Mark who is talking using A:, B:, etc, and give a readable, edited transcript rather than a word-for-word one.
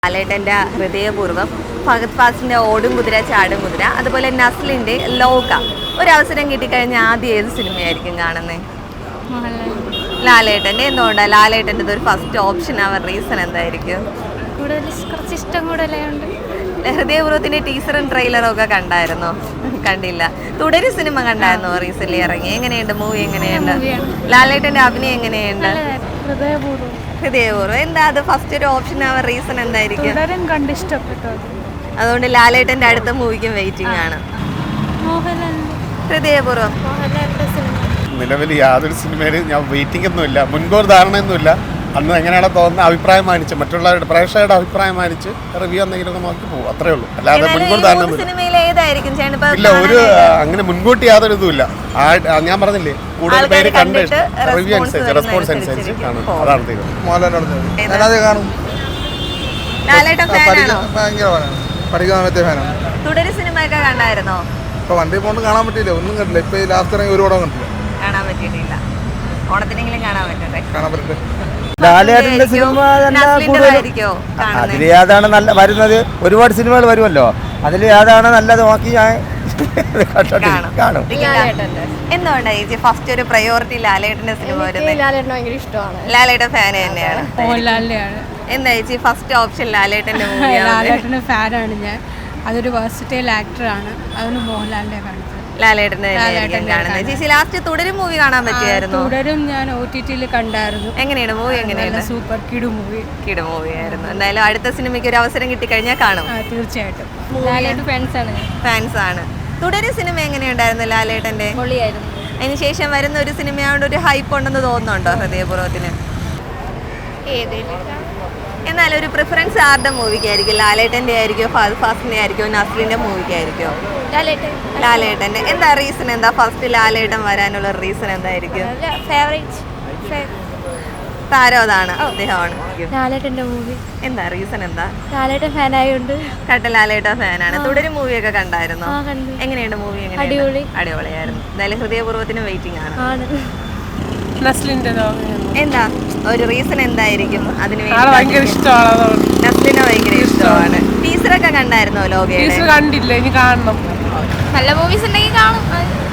A: ലാലേട്ടൻ്റെ ഹൃദയപൂർവ്വം, ഫഹദ് ഫാസിലിൻ്റെ ഓടും കുതിര ചാടും കുതിര, അതുപോലെ നസ്ലിൻ്റെ ലോക. ഒരവസരം കിട്ടിക്കഴിഞ്ഞാൽ ആദ്യം ഏത് സിനിമയായിരിക്കും കാണുന്നത്? ലാലേട്ടൻ്റെ. എന്തുകൊണ്ടാണ് ലാലേട്ടൻ്റെ ഒരു ഫസ്റ്റ് ഓപ്ഷൻ ആവാൻ റീസൺ എന്തായിരിക്കും?
B: കുറച്ച് ഇഷ്ടം കൂടുതലുണ്ട്.
A: ഹൃദയപൂർവ്വത്തിൻ്റെ ടീസറും ട്രെയിലറും ഒക്കെ കണ്ടായിരുന്നോ? കണ്ടില്ല. തുടരും സിനിമ കണ്ടായിരുന്നോ റീസെന്റ് ഇറങ്ങി? എങ്ങനെയുണ്ട് മൂവി? എങ്ങനെയുണ്ട് ലാലേട്ടൻ്റെ അഭിനയം? എങ്ങനെയുണ്ട് ഹൃദയപൂർവ്വം? എന്താ അത് ഫസ്റ്റ് ഒരു ഓപ്ഷൻ ആവാൻ റീസൺ എന്തായിരിക്കും? അതുകൊണ്ട് ലാലേട്ടൻ്റെ അടുത്ത മൂവിക്കും വെയിറ്റിംഗ് ആണ്. ഹൃദയപൂർവ്വം
C: നിലവിൽ യാതൊരു സിനിമയിലും ഞാൻ വെയിറ്റിംഗ് ഒന്നുമില്ല, മുൻകൂർ ധാരണയൊന്നുമില്ല. അന്ന് എങ്ങനെയാണോ തോന്നുന്ന അഭിപ്രായം മാനിച്ച്, മറ്റുള്ളവരുടെ പ്രേക്ഷകരുടെ അഭിപ്രായം മാനിച്ച് റിവ്യൂ എന്തെങ്കിലും നോക്കി പോകും, അത്രേ ഉള്ളൂ. അല്ലാതെ മുൻകൂർ ധാരണ ഇല്ല. ഒരു അങ്ങനെ മുൻകൂട്ടി യാതൊരു ഇതുമില്ല. ഞാൻ പറഞ്ഞില്ലേ, കൂടുതൽ പേര് കണ്ടിട്ട് റിവ്യൂ അനുസരിച്ച് റെസ്പോൺസ് അനുസരിച്ച് കാണും. അതാണ് തീരുമാനം.
A: തുടരും സിനിമയൊക്കെ കണ്ടായിരുന്നോ?
D: ഇപ്പൊ വണ്ടി പോണ്ട് കാണാൻ പറ്റില്ല, ഒന്നും കണ്ടില്ല. ഇപ്പൊ ലാസ്റ്റ് ഇറങ്ങി ഒരു പടം കണ്ടില്ല.
A: കാണാൻ പറ്റിയിട്ടില്ല. ഓണത്തിനെങ്കിലും കാണാൻ പറ്റട്ടെ.
E: ലാലേട്ടന്റെ സിനിമ അതിൽ ഏതാണ് നല്ല വരുന്നത്? ഒരുപാട് സിനിമകൾ വരുമല്ലോ, അതിൽ ഏതാണ് നല്ലത് നോക്കി ഞാൻ കാണും.
A: എന്തുകൊണ്ടാണ് ചേച്ചി ഫസ്റ്റ് ഒരു പ്രയോറിറ്റി ലാലേട്ടന്റെ സിനിമ വരുന്നത്?
B: ലാലേട്ടൻ ഭയങ്കര ഇഷ്ടമാണ്.
A: ലാലേട്ടൻ ഫാൻ തന്നെയാണ്. എന്താ ചേച്ചി ഫസ്റ്റ് ഓപ്ഷൻ ലാലേട്ടന്റെ മൂവിയാണ്?
F: ലാലേട്ടന്റെ ഫാനാണ് ഞാൻ. അതൊരു വേഴ്സറ്റൈൽ ആക്ടറാണ്, അതുകൊണ്ട് മോഹൻലാലിനെ കാണിച്ചത്.
A: ലാലേട്ടന്റെ കാണുന്നത്. ചേച്ചി ലാസ്റ്റ് തുടരും മൂവി കാണാൻ പറ്റിയായിരുന്നു?
F: തുടരും ഞാൻ OTT-ൽ കണ്ടായിരുന്നു.
A: എങ്ങനെയാണ് മൂവി? എങ്ങനെയാണ്?
F: സൂപ്പർ കിടു മൂവി
A: ആയിരുന്നു. എന്തായാലും അടുത്ത സിനിമയ്ക്ക് ഒരു അവസരം കിട്ടിക്കഴിഞ്ഞാൽ കാണും.
F: തീർച്ചയായിട്ടും.
B: ലാലേട്ടൻ
A: ഫാൻസ് ആണ്. തുടരും സിനിമ എങ്ങനെയുണ്ടായിരുന്നു ലാലേട്ടന്റെ?
B: പൊളിയായിരുന്നു.
A: അതിനുശേഷം വരുന്ന ഒരു സിനിമയോട് ഒരു ഹൈപ്പ് ഉണ്ടെന്ന് തോന്നുന്നുണ്ടോ ഹൃദയപൂർവ്വത്തിന്? എന്നാലും ഒരു പ്രിഫറൻസ് ആരുടെ മൂവിക്കായിരിക്കും? ലാലേട്ടൻ്റെ ആയിരിക്കോ, ഫഹദ് ഫാസിലിൻ്റെ ആയിരിക്കോ, നസ്ലിൻ്റെ മൂവിക്കായിരിക്കോ? ലാലേട്ടൻ്റെ. എന്താ റീസൺ? എന്താ ഫസ്റ്റ് ലാലേട്ടൻ വരാനുള്ള റീസൺ എന്തായിരിക്കും? താരം അതാണ്, അദ്ദേഹമാണ്.
B: ലാലേട്ടന്റെ മൂവി.
A: എന്താ റീസൺ? എന്താ?
B: ലാലേട്ടൻ ഫാനായോണ്ട്.
A: ലാലേട്ടൻ ഫാനാണ്. തുടരും മൂവിയൊക്കെ കണ്ടായിരുന്നോ?
B: കണ്ടു.
A: എങ്ങനെയുണ്ട് മൂവി? അടിപൊളിയായിരുന്നു. എന്തായാലും ഹൃദയപൂർവ്വത്തിന് വെയിറ്റിംഗ് ആണ്. എന്താ ഒരു റീസൺ എന്തായിരിക്കും അതിന് വേണ്ടി? നസ്ലിനെ ഭയങ്കര ഇഷ്ടമാണ്. ടീച്ചറൊക്കെ കണ്ടായിരുന്നോ ലോകയുടെ?
F: കണ്ടില്ല, ഇനി കാണണം.
B: നല്ല മൂവീസ് ഉണ്ടെങ്കിൽ കാണും.